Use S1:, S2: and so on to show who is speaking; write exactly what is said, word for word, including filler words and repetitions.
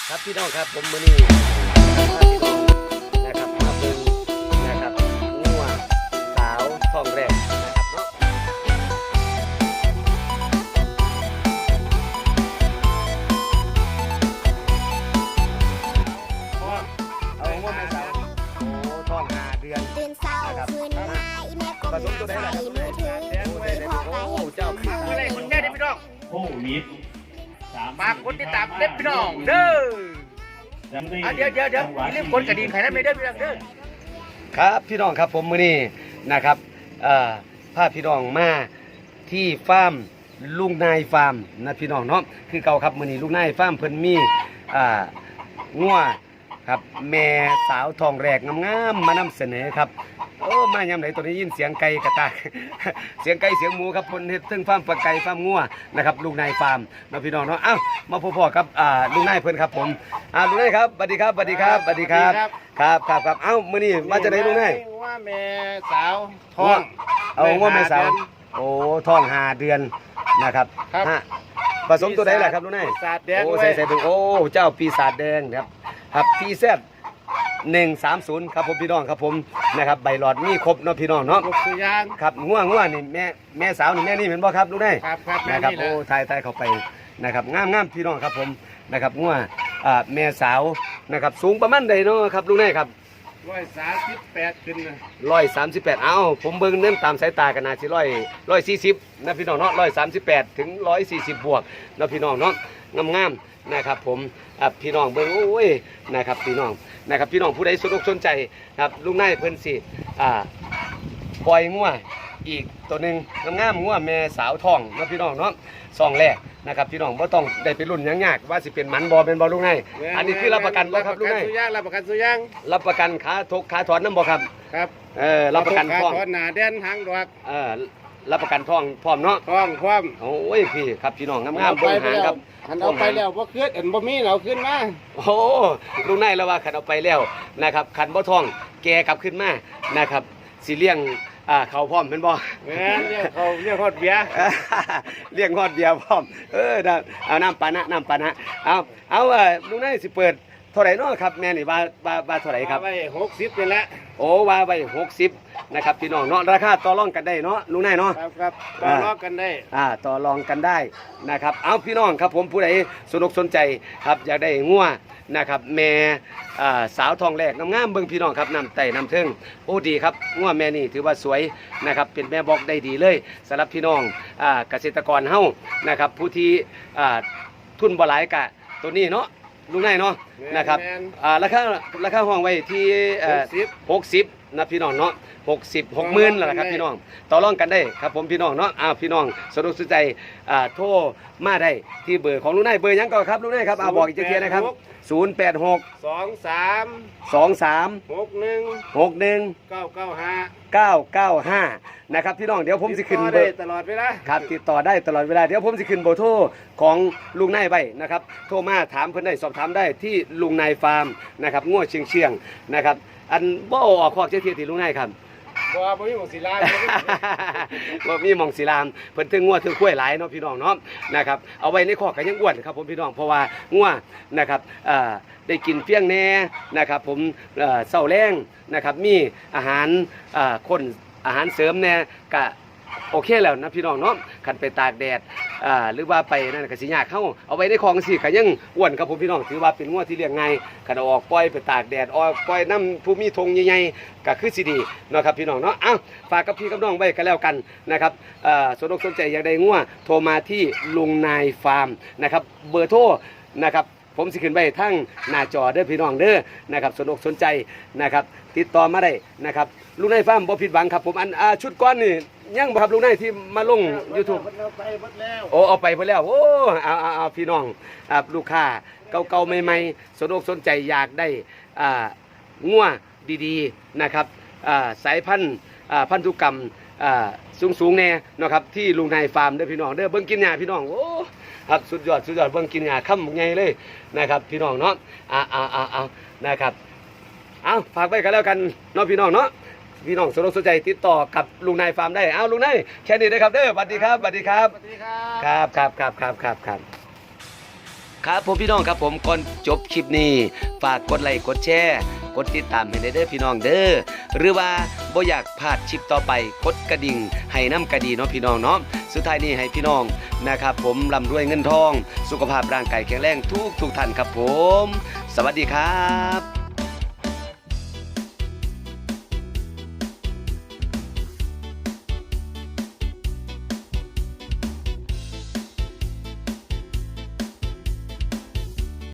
S1: ครับพี่น้องครับผมมือนี้นะครับมาเบิ่งนะครับงัวสาวทองแรกนะครับเนาะเอางัวแม่สาวโอ้ทองห้าเดือน
S2: ตื่นเช้าคืนมาอีแม่ก็มือใส่มือถือที่พ่อไปเห็นเจ้าคือ
S3: เมื่อไรคนแก่ได้พี่น้อง
S4: โควิด
S3: ฝากกดติดตามเล็บพี่น้องเด้ออ่ะเดี๋ยวเดี๋ยวเดี๋ยวอย่าลืมกดกระดิ่งใครนั้นไม่ได้พี่น้องเด้อ
S1: ครับพี่น้องครับผมมือนี้นะครับเอ่อพาพี่น้องมาที่ฟาร์มลุงนายฟาร์มนะพี่น้องเนาะคือเก่าครับมือนี้ลุงนายฟาร์มเพิ่นมีอ่างัวครับแม่สาวทองแรกงามๆมานำเสนอครับโอ้มายามไหนตัวนี้ยินเสียงไก่กระตาก เสียงไก่เสียงหมูครับเพิ่นเฮ็ดถึงฟาร์มปลาไก่ฟาร์มงัวนะครับลุงนายฟาร์มนะพี่น้องเนาะเอ้ามาพบๆกับอ่าลุงนายเพิ่นครับผมอ่าลุงนายครับสวัสดีครับสวัสดีครับสวัสดีครับครับครับครับเอ้ามื้อนี้มาจากไหนลุงนาย
S3: ว่าแม่สาวท้อง
S1: เอางัวแม่สาวโอ้ท้องห้าเดือนนะครับ
S3: ครับ
S1: ฮะผสมตัวไหนล่ะครับลุงนาย
S3: ปีศาจแดง
S1: โอ้
S3: ไว้
S1: ใส่ใส่ถุงโอ้เจ้าปีศาจแดงครับครับพีเซดหนึ่งสามศูนย์ครับผมพี่น้องครับผมนะครับใบหลอดมีครบเนาะพี่น้องเนาะ
S3: ลูกคือยาง
S1: ครับง่วงง่วงนี่แม่แม่สาวนี่แม่นี่เห็นบ่ครับลูกได้
S3: ครับครับแม่
S1: นะครับ
S3: นี่แหละ
S1: โอ้ทายทายเข้าไปนะครับงามงามพี่น้องครับผมนะครับง่วงอ่าแม่สาวนะครับสูงประมาณใดเนาะครับลูกได้ครับ
S3: ร้อยสามสิบแปดขึ้นนะ
S1: ร้อยสามสิบแปดเอ้าผมเบิ่งเน้นตามสายตากันนาสิร้อยร้อยสี่สิบนะพี่น้องเนาะร้อยสามสิบแปดถึงร้อยสี่สิบบวกนะพี่น้องเนาะงามงามนะครับผมอ่ะพี่น้องเบิ่งโอ้ยนะครับพี่น้องนะครับพี่น้องผู้ใดสนอกสนใจครับลุงนายเพิ่นสิอ่าปล่อยงัวอีกตัวหนึ่งงามๆงัวแม่สาวทองนะพี่น้องเนาะซองแรกนะครับพี่น้องบ่ต้องได้ไปรุ่นหยังยากว่าสิเป็นหมันบ่เป็นบ่ลุงนายอันนี้คือรับประกันบ่ครับลุงนาย
S3: รับประกันสุยาง
S1: รับประกันขาทกขาถอนน้ำบ่ครับ
S3: ครับ
S1: เออรับประกัน
S3: ท้
S1: ท้
S3: อ
S1: อง ง
S3: หนาแดนหางดอก
S1: เออรับประกันท้องพร้อมเนาะ
S3: ท้องความ
S1: โอ้ยพี่ครับพี่น้องงาม
S3: เอา
S1: ๆ
S3: ไป
S1: เบิ่งหาง
S3: แล้ว
S1: ครับ
S3: หันเอาไปแล้วบ่ขึ้นเอ็นบ่มีเราขึ้นมา
S1: โอ้ลุงนายแล้วว่าขันเอาไปแล้วนะครับขันบ่ท้องแกกลับขึ้นมานะครับสิเลี้ยงอ่าเขาพร้อมเป็นบ่
S3: แม่นเรียกเขาเรียกฮอดเบียร์
S1: เลี้ยงฮอดเบียร์พร้อมเออนะเอาน้ำปานะน้ำปานะเอาเอาเออลุงนายสิเปิดเท่าไหร่เนาะครับแม่นี่ว่าว่าว่าเท่าไหร่ครับ
S3: เอาไว้หกสิบนี่แหละ
S1: โอ้ว่าไว้หกสิบนะครับพี่น้องเนาะราคาต่อรองกันได้เนาะลุงนายเนาะ
S3: ครับครับต่อรองกันได้
S1: อ่าต่อรองกันได้นะครับเอาพี่น้องครับผมผู้ใดสนอกสนใจครับอยากได้งัวนะครับแม่อ่าสาวทองแรกงามๆเบิ่งพี่น้องครับนำไต่นำเทิงโอ้ดีครับงัวแม่นี่ถือว่าสวยนะครับเป็นแม่บอกได้ดีเลยสำหรับพี่น้องอ่าเกษตรกรเฮานะครับผู้ที่อ่าทุนบ่หลายกะตัวนี้เนาะลุงนายเนาะนะครับอ่าราคาราคาห้องไว้ที่เอ่อหกสิบนะพี่น้องเนาะหกสิบหกหมื่นแล้วล่ะครับพี่น้องต่อรองกันได้ครับผมพี่น้องเนาะอ้าวพี่น้องสะดวกสนใจอ่าโทรมาได้ที่เบอร์ของลุงนายเบอร์หยังก่อนครับลุงนายครับอ่าบอกอีกทีนะครับศูนย์แปดหก
S3: สองสาม
S1: สองสาม
S3: หกหนึ่ง
S1: หกหนึ่ง
S3: เก้าเก้าห้า
S1: เก้าเก้าห้านะครับพี่น้องเดี๋ยวผมสิขึ้นเบ
S3: ได้
S1: อร์
S3: ตลอดเวลา
S1: ครับติดต่อได้ตลอดเวลาเดี๋ยวผมสิขึ้นเบอร์โทรของลุงนายไว้นะครับโทรมาถามเพิ่นได้สอบถามได้ที่ลุงนายฟาร์มนะครับงัวเชียงเชียงนะครับอันบ่ออกคอกเจ้าเทียที่ลุงนายครับ
S3: บ่บ่มีหมองศิลา
S1: ว่ามีหมองศิลามเพิ่นถึงงัวถึงกล้วยหลายเนาะพี่น้องเนาะนะครับเอาไว้ในคอกก็ยังอ้วนครับผมพี่น้องเพราะว่างัวนะครับเอ่อได้กินเพียงแน่นะครับผมเอ่อเช้าแรงนะครับมีอาหารเอ่อคนอาหารเสริมแน่ก็โอเคแล้วนะพี่น้องเนาะคันไปตากแดดอ่าหรือว่าไปนั่นก็สิยากเข้าเอาไว้ในคลองสิก็ยังอ้วนครับผมพี่น้องถือว่าเป็นงัวที่เลี้ยงง่ายคันเอาออกปล่อยไปตากแดดออกปล่อยน้ำผู้มีธงใหญ่ๆก็คือสิดีเนาะครับพี่น้องเนาะอ้าวฝากกับพี่กับน้องไว้กันแล้วกันนะครับเอ่อสนอกสนใจอยากได้งัวโทรมาที่ลุงนายฟาร์มนะครับเบอร์โทรนะครับผมสิขึ้นไว้ทั้งหน้าจอเด้อพี่น้องเด้อนะครับสนอกสนใจนะครับติดต่อมาได้นะครับลุงนายฟาร์มบ่ผิดหวังครับผมอันอ่าชุดก้อนนี่ยังบ่ครับลุงนายที่มาลง YouTube
S3: เอาไปหมดแล้ว
S1: โอ้เอาไปหมดแล้วโอ้เอาเอาเอาพี่น้องอ่าลูกค้าเก่าๆใหม่ๆสนอกสนใจอยากได้อ่างัวดีๆนะครับอ่าสายพันธุ์อ่าพันธุกรรมอ่าสูงๆแน่เนาะครับที่ลุงนายฟาร์มเด้อพี่น้องเด้อเบิ่งกินหญ้าพี่น้องโอ้ครับสุดยอดสุดยอดเบิ่งกินหญ้าค่ำใหญ่เลยนะครับพี่น้องเนาะอ่าอ่าอ่าอ่านะครับเอาฝากไว้กันแล้วกันเนาะพี่น้องเนาะพี่น้องสนใจติดต่อกับลุงนายฟาร์มได้เอาลุงนายแค่นี้นะครับเด้อสวัสดีครับสวัสดีครับ
S3: สวัสดีครับ
S1: ครับครับครับครับครับครับครับผมพี่น้องครับผมก่อนจบคลิปนี้ฝากกดไลค์กดแชร์กดติดตามให้ได้เด้อพี่น้องเด้อหรือว่าบ่อยากพลาดคลิปต่อไปกดกระดิ่งให้น้ำกระดีเนาะพี่น้องเนาะสุดท้ายนี้ให้พี่น้องนะครับผมร่ำรวยเงินทองสุขภาพร่างกายแข็งแรงทุกทุกท่านครับผมสวัสดีครับ